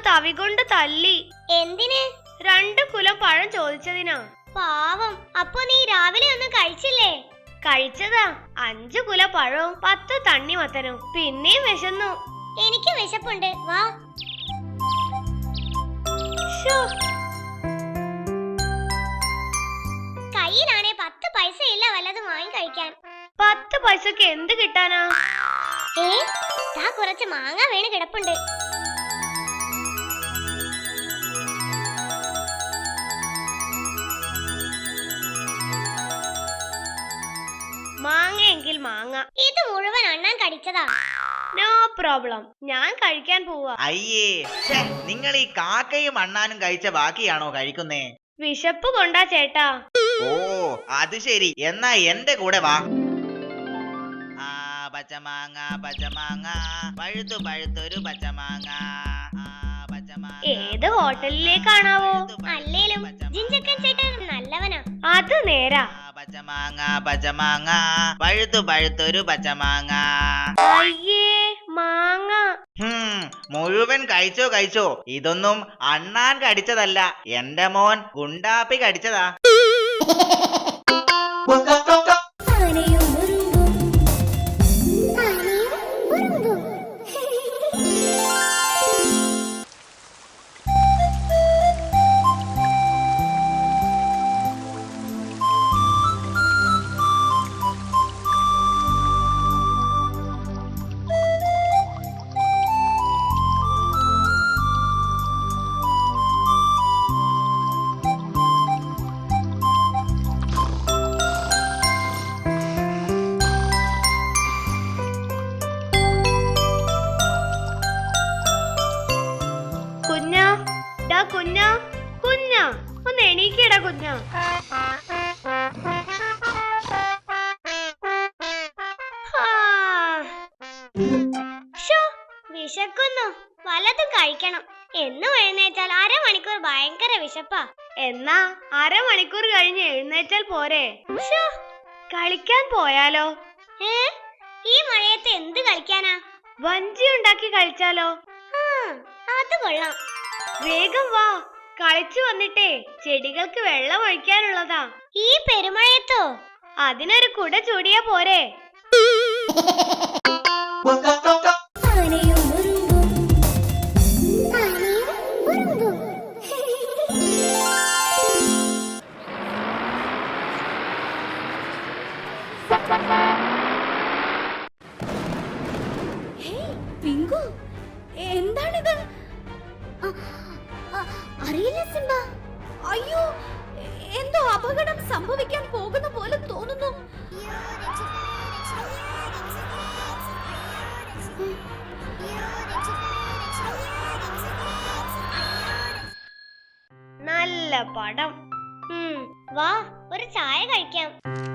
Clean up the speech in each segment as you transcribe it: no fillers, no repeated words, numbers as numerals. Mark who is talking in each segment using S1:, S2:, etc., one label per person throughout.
S1: തവി കൊണ്ട് തല്ലി.
S2: എന്തിന്?
S1: 2 കുലം പഴം ചോദിച്ചതിനാ.
S2: പാവം. അപ്പൊ നീ രാവിലെ ഒന്നും കഴിച്ചില്ലേ?
S1: കഴിച്ചതാ. 5 കുല പഴവും 10 തണ്ണിമത്തനും. പിന്നെയും വിശന്നു.
S2: എനിക്ക് വിശപ്പുണ്ട്, വാ. കയ്യിലാണെ 10 പൈസ ഇല്ല വല്ലതും വാങ്ങി കഴിക്കാൻ.
S1: 10 പൈസക്ക് എന്ത് കിട്ടാനാ?
S2: കുറച്ച് മാങ്ങ വീണ് കിടപ്പുണ്ട്.
S1: മാങ്ങയെങ്കിൽ മാങ്ങ.
S2: ഇത് മുഴുവൻ അണ്ണാൻ കടിച്ചതാ.
S1: നോ പ്രോബ്ലം, ഞാൻ കഴിക്കാൻ പോവാ.
S3: അയ്യേ, നിങ്ങൾ ഈ കാക്കയും അണ്ണാനും കഴിച്ച ബാക്കിയാണോ കഴിക്കുന്നേ?
S1: വിശപ്പ് കൊണ്ടാ ചേട്ടാ.
S3: ഓ അത് ശരി, എന്നാ എന്റെ കൂടെ വാ. പച്ചമാങ്ങ പച്ചമാങ്ങ പഴുത്തു പഴുത്തൊരു പച്ചമാങ്ങ.
S1: ഏത് ഹോട്ടലിലേക്കാണാവോ?
S2: അല്ലേലും ജിഞ്ചക്കൻ ചേട്ടൻ നല്ലവനാ.
S1: അത് നേരാ.
S3: പച്ചമാങ്ങ പച്ചമാങ്ങ പഴുത്തു പഴുത്തൊരു പച്ചമാങ്ങ.
S1: അയ്യേ, മാങ്ങ.
S3: മുഴുവൻ കഴിച്ചോ കഴിച്ചോ. ഇതൊന്നും അണ്ണാൻ കടിച്ചതല്ല, എന്റെ മോൻ ഗുണ്ടാപ്പി കടിച്ചതാ.
S1: കുഞ്ഞാ കുഞ്ഞാ, ഒന്ന് എണീക്കടാ കുഞ്ഞാ.
S2: വിശക്കുന്നു, വല്ലതും കഴിക്കണം. എന്നും എഴുന്നേറ്റാൽ 1/2 മണിക്കൂർ ഭയങ്കര വിശപ്പാ.
S1: എന്നാ 1/2 മണിക്കൂർ കഴിഞ്ഞ് എഴുന്നേറ്റാൽ പോരെ? കളിക്കാൻ പോയാലോ?
S2: ഈ മഴയത്ത് എന്ത് കളിക്കാനാ?
S1: വഞ്ചി ഉണ്ടാക്കി കളിച്ചാലോ?
S2: അത് കൊള്ളാം.
S1: വേഗം വാ, കളിച്ചു വന്നിട്ടേ ചെടികൾക്ക് വെള്ളം ഒഴിക്കാനുള്ളതാ.
S2: ഈ പെരുമഴയത്തോ?
S1: അതിനൊരു കുട ചൂടിയാ പോരെ?
S2: എന്താണിത്? അറിയില്ല സിംബ.
S4: അയ്യോ, എന്തോ അപകടം സംഭവിക്കാൻ പോകുന്ന പോലെ തോന്നുന്നു.
S1: നല്ല പടം.
S2: വാ, ഒരു ചായ കഴിക്കാം.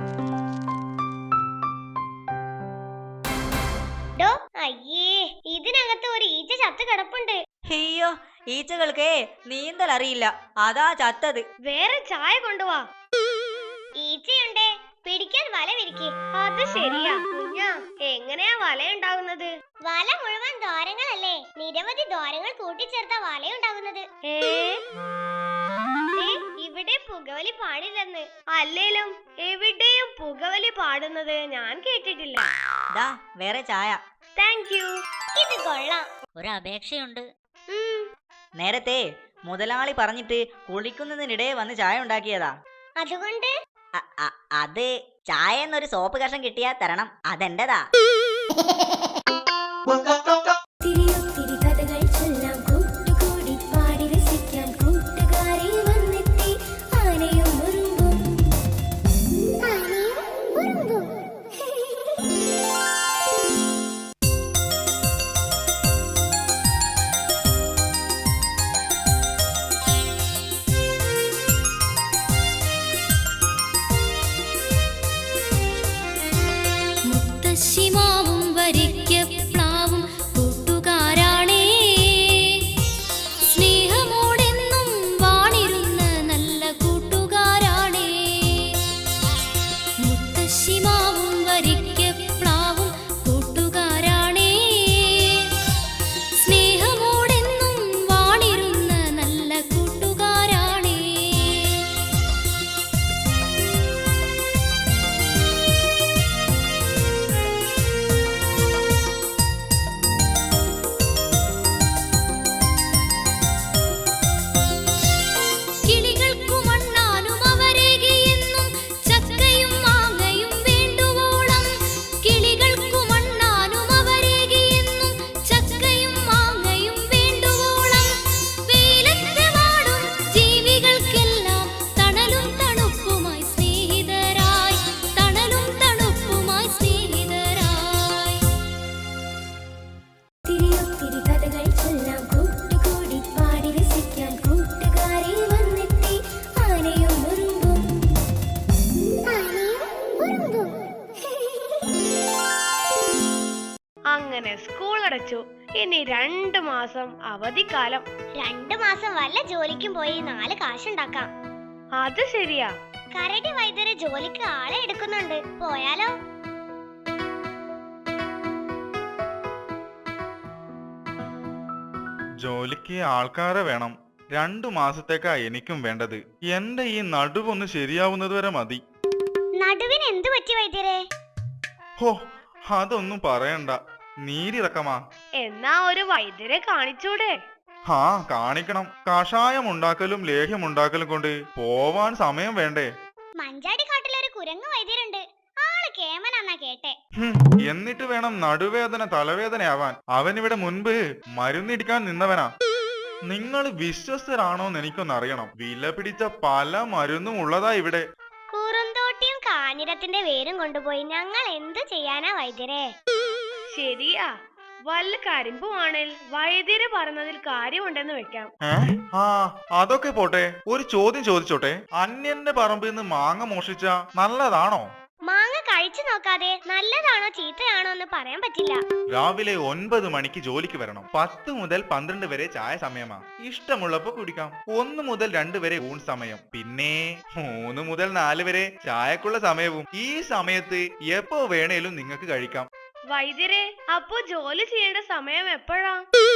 S2: അയ്യേ, ഇതിനകത്ത് ഒരു ഈച്ച ചത്ത് കിടപ്പുണ്ട്.
S4: അയ്യോ, ഈച്ചകൾക്കേ നീന്തൽ അറിയില്ല, അതാ ചത്തത്.
S1: വേറെ ചായ കൊണ്ടുവാ.
S2: ഈച്ചയുണ്ടേ, പിടിക്കാൻ വല വിരിക്ക്.
S1: അത് ശരിയാ. കുഞ്ഞാ, എങ്ങനെയാ വല ഉണ്ടാകുന്നത്?
S2: വല മുഴുവൻ ദ്വാരങ്ങളല്ലേ, നിരവധി ദ്വാരങ്ങൾ കൂട്ടിച്ചേർത്ത വലയുണ്ടാകുന്നത്.
S1: ഇവിടെ പുകവലി പാടില്ലെന്ന്. അല്ലേലും എവിടെയും പുകവലി പാടുന്നത് ഞാൻ കേട്ടിട്ടില്ല.
S4: വേറെ ചായ.
S1: Thank you.
S2: ഇത് കൊള്ളാം.
S4: ഒരു അപേക്ഷയുണ്ട്.
S5: നേരത്തെ മുതലാളി പറഞ്ഞിട്ട് കുളിക്കുന്നതിനിടെ വന്ന് ചായ ഉണ്ടാക്കിയതാ.
S2: അതുകൊണ്ട്
S5: അത് ചായ എന്നൊരു സോപ്പ് കഷം കിട്ടിയാ തരണം, അതെന്റെതാ.
S6: ശിമാവും വരിക്ക പ്ലാവും
S1: അങ്ങനെ സ്കൂൾ അടച്ചു. ഇനി 2 മാസം അവധിക്കാലം.
S2: 2 മാസം വല്ല ജോലിക്കും പോയി 4 കാശുണ്ടാക്കാം.
S1: അത് ശരിയാ.
S2: കരടി വൈദ്യര് ജോലിക്ക് ആളെ എടുക്കുന്നുണ്ട്. പോയാലോ?
S6: ജോലിക്ക് ആൾക്കാരെ വേണം. 2 മാസത്തേക്കാ എനിക്കും വേണ്ടത്. എന്റെ ഈ നടുവൊന്ന് ശരിയാവുന്നത് വരെ മതി.
S2: നടുവിന് എന്ത് പറ്റി വൈദ്യരെ?
S6: ഹോ, അതൊന്നും പറയണ്ട. നീരിറക്കമാ.
S1: എന്നാ ഒരു വൈദ്യരെ കാണിച്ചൂടെ?
S6: ഹാ, കാണിക്കണം. കഷായം ഉണ്ടാക്കലും ലേഹ്യം ഉണ്ടാക്കലും കൊണ്ട് പോവാൻ സമയം വേണ്ടേ?
S2: മഞ്ചാടി കാട്ടിലൊരു കുരങ്ങ് വൈദ്യരുണ്ട്. ആള് കേമനാന്നാ കേട്ടെ.
S6: എന്നിട്ട് വേണം നടുവേദന തലവേദനയാവാൻ. അവനിവിടെ മുൻപ് മരുന്നിടിക്കാൻ നിന്നവനാ. നിങ്ങൾ വിശ്വസ്തരാണോന്ന് എനിക്കൊന്നറിയണം. വില പിടിച്ച പല മരുന്നും ഉള്ളതാ ഇവിടെ.
S2: കുറുന്തോട്ടിയും കാഞ്ഞിരത്തിന്റെ വേരും കൊണ്ടുപോയി ഞങ്ങൾ എന്ത് ചെയ്യാനാ വൈദ്യരെ?
S1: ശരിയാ. വല്ല കരിമ്പുവാണേൽ വൈദ്യര് പറഞ്ഞതിൽ കാര്യമുണ്ടെന്ന് വെക്കാം.
S6: ആ, അതൊക്കെ പോട്ടെ. ഒരു ചോദ്യം ചോദിച്ചോട്ടെ. അന്യന്റെ പറമ്പിൽ നിന്ന് മാങ്ങ മോഷിച്ച നല്ലതാണോ?
S2: മാങ്ങ കഴിച്ചു നോക്കാതെ നല്ലതാണോ ചീത്തയാണോ എന്ന് പറയാൻ പറ്റില്ല.
S6: രാവിലെ 9 മണിക്ക് ജോലിക്ക് വരണം. 10 മുതൽ 12 വരെ ചായ സമയമാ. ഇഷ്ടമുള്ളപ്പോ കുടിക്കാം. 1 മുതൽ 2 വരെ ഊൺ സമയം. പിന്നെ 3 മുതൽ 4 വരെ ചായക്കുള്ള സമയവും. ഈ സമയത്ത് എപ്പോ വേണേലും നിങ്ങൾക്ക് കഴിക്കാം.
S1: വൈദ്യരെ, അപ്പോ ജോലി ചെയ്യേണ്ട സമയം എപ്പോഴാ?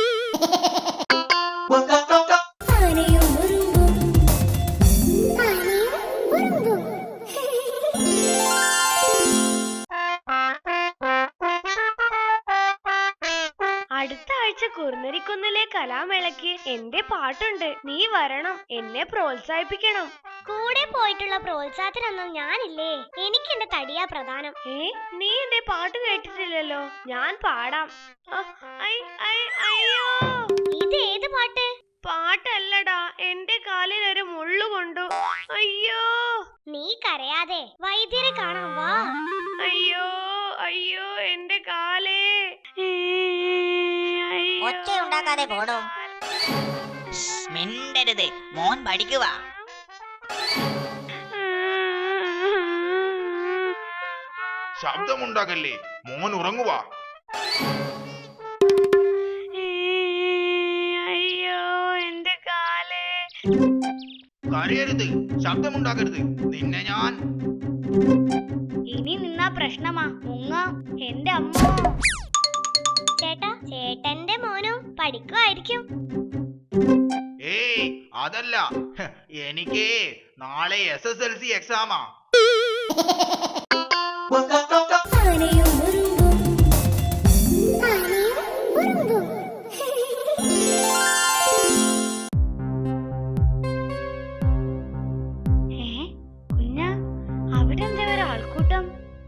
S1: അടുത്ത ആഴ്ച കുറുനരിക്കുന്നിലെ കലാമേളയ്ക്ക് എന്റെ പാട്ടുണ്ട്. നീ വരണം. എന്നെ പ്രോത്സാഹിപ്പിക്കണം.
S2: കൂടെ പോയിട്ടുള്ള പ്രോത്സാഹത്തിനൊന്നും ഞാനില്ലേ. എനിക്ക് എന്റെ തടിയാ പ്രധാനം.
S1: നീ എന്റെ പാട്ട് കേട്ടിട്ടില്ലല്ലോ. ഞാൻ പാടാം. അയ്യോ,
S2: ഇത് ഏത് പാട്ട്?
S1: പാട്ടല്ലടാ, എന്റെ കാലിൽ ഒരു മുള്ളു കൊണ്ടു. അയ്യോ.
S2: നീ കരയാതെ വൈദ്യരെ കാണാൻ വാ.
S1: അയ്യോ അയ്യോ, എന്റെ കാലേ.
S5: ഒച്ചയുണ്ടാക്കാതെ പോടോ. മിണ്ടരുത്, മോൻ പഠിക്കുക.
S6: ശബ്ദമുണ്ടാകല്ലേ, മോൻ ഉറങ്ങുക.
S1: അയ്യോ, എന്റെ കാലേ.
S3: കരയരുത്, ശബ്ദമുണ്ടാക്കരുത്. നിന്നെ ഞാൻ
S2: ഇനി നിന്നാ പ്രശ്നമാ. മുങ്ങ. എന്റെ അമ്മ. ചേട്ടാ, ചേട്ടന്റെ മോനും പഠിക്കുമായിരിക്കും.
S3: ഏയ് അതല്ല, എനിക്ക് നാളെ SSLC എക്സാമാ.
S1: കുഞ്ഞ, അവിടെ എന്താ ഒരു ആൾക്കൂട്ടം?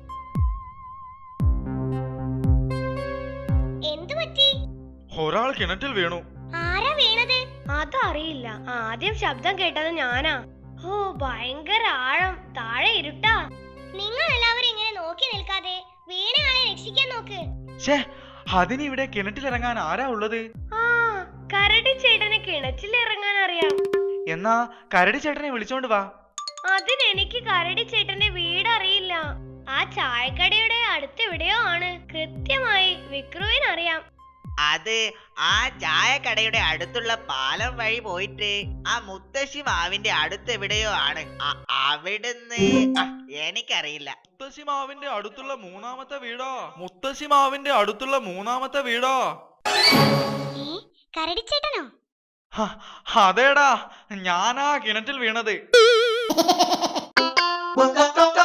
S2: എന്തു പറ്റി?
S6: ഒരാൾ കിണറ്റിൽ വീണു.
S2: ആരാ വീണത്?
S1: അതറിയില്ല. ആദ്യം ശബ്ദം കേട്ടത് ഞാനാ. ഓ, ഭയങ്കര ആഴം. താഴെ ഇരുട്ടാ.
S2: നിങ്ങൾ എല്ലാവരും ഇങ്ങനെ നോക്കി നിൽക്കാതെ വീണയാളെ രക്ഷിക്കാൻ നോക്ക്.
S6: അതിനിവിടെ കിണറ്റിലിറങ്ങാൻ ആരാ ഉള്ളത്?
S1: ആ, കരടി ചേട്ടന് കിണറ്റിലിറങ്ങാൻ അറിയാം.
S6: എന്നാ കരടി ചേട്ടനെ വിളിച്ചോണ്ട് വാ.
S1: അതിനെനിക്ക് കരടി ചേട്ടന്റെ വീട് അറിയില്ല. ആ ചായക്കടയുടെ അടുത്തെവിടെയോ ആണ്. കൃത്യമായി വിക്രുവിനറിയാം.
S3: അത് ആ ചായക്കടയുടെ അടുത്തുള്ള പാലം വഴി പോയിട്ട് ആ മുത്തശ്ശി മാവിന്റെ അടുത്തെവിടെയോ ആണ്. അവിടുന്ന് എനിക്കറിയില്ല.
S6: മുത്തശ്ശി മാവിന്റെ അടുത്തുള്ള മൂന്നാമത്തെ വീടാ. മുത്തശ്ശി മാവിന്റെ അടുത്തുള്ള മൂന്നാമത്തെ വീടാ.
S2: കരടിച്ചേട്ടനോ?
S6: അതേടാ, ഞാനാ കിണറ്റിൽ വീണത്.